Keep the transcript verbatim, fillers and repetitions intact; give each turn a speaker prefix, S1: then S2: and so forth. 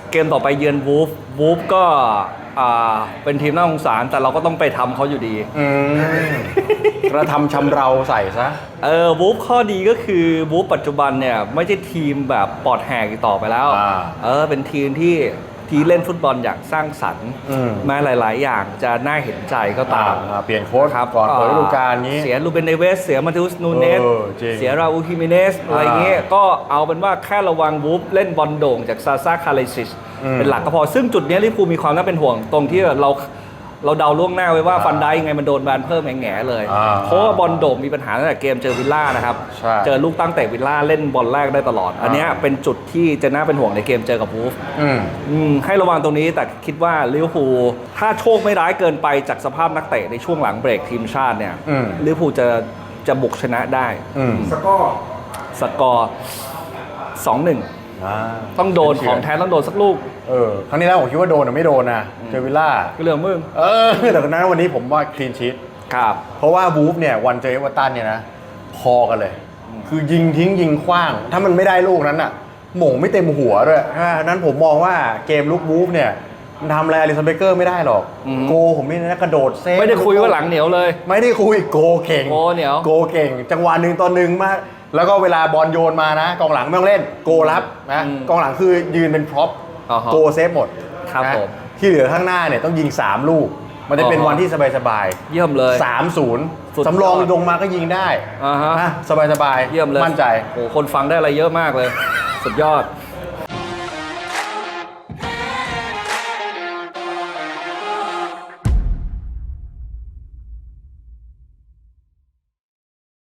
S1: เกมต่อไปเยือนวูฟวูฟก็อ่าเป็นทีมน่าสงสารแต่เราก็ต้องไปทำเขาอยู่ดี
S2: อืมกระทำชำเราใส่ซะ
S1: เออวูฟข้อดีก็คือวูฟปัจจุบันเนี่ยไม่ใช่ทีมแบบปลอดแหกอีกต่อไปแล้วเออเป็นทีมที่ที่เล่นฟุตบอลอย่างสร้างสรรค์แม้หลายๆอย่างจะน่าเห็นใจก็ตาม
S2: เปลี่ยนโค้ชก่อนเปิดฤดูกาลนี้
S1: เสียลูเบนเนเวสเสียมาติอุสนูเนสเสียราอูฮิมิเนสอะไรเงี้ยก็เอาเป็นว่าแค่ระวังวูฟเล่นบอลโด่งจากซาซาคาเลซิชเป็นหลักก็พอซึ่งจุดนี้ลิเวอร์พูลมีความน่าเป็นห่วงตรงที่เราเราเดาล่วงหน้าไว้ว่าฟันไดยังไงมันโดนแบนเพิ่มแง่ๆเลยเพราะว่าบอลโด่งมีปัญหาตั้งแต่เกมเจอวิลล่านะครับเจอลูกตั้งแต่วิลล่าเล่นบอลแรกได้ตลอดอันนี้เป็นจุดที่จะน่าเป็นห่วงในเกมเจอกับวูฟให้ระวังตรงนี้แต่คิดว่าลิเวอร์พูลถ้าโชคไม่ร้ายเกินไปจากสภาพนักเตะในช่วงหลังเบรกทีมชาติเนี่ยลิเวอร์พูลจะจะบุกชนะได้
S3: สกอร์
S1: สกอร์ สองหนึ่ง ต้องโดนของแท้ต้องโดนสักลูก
S2: เออครั้งนี้แล้วผมคิดว่าโดนหรือไม่โดนนะเจอวิลล่า
S1: ก็เรื่องมึง
S2: เออแต่นั้นวันนี้ผมว่าคลีนชีท
S1: ครับ
S2: เพราะว่าวูฟเนี่ยวันเจอเอเวอร์ตันเนี่ยนะพอกันเลย คือยิงทิ้งยิงขว้างถ้ามันไม่ได้ลูกนั้นอ่ะหม่งไม่เต็มหัวด้วยนั้นผมมองว่าเกมลุกวูฟเนี่ยมันทำอะไรอลิสันเบเกอร์ไม่ได้หรอกโกผมนี่นะกระโดดเซฟ
S1: ไม่ได้คุยว่าหลังเหนียวเลย
S2: ไม่ได้คุยโกเก่ง
S1: โกเหนียว
S2: โกเก่งจังหวะหนึ่งต่อหนึ่งมากแล้วก็เวลาบอลโยนมานะกองหลังไม่ต้องเล่นโกรับนะกองหลังคือยืนเป็นพร็อพโกเซฟหมด
S1: ครับผม
S2: ที่เหลือข้างหน้าเนี่ยต้องยิงสามลูกมันจะเป็นวันที่สบาย
S1: ๆเยี่ยมเลย
S2: สามศูนย์ สำรองลงมาก็ยิงได้นะสบายๆ
S1: เยี่ยมเลย
S2: มั่นใจ
S1: โอ้คนฟังได้อะไรเยอะมากเลยสุดยอด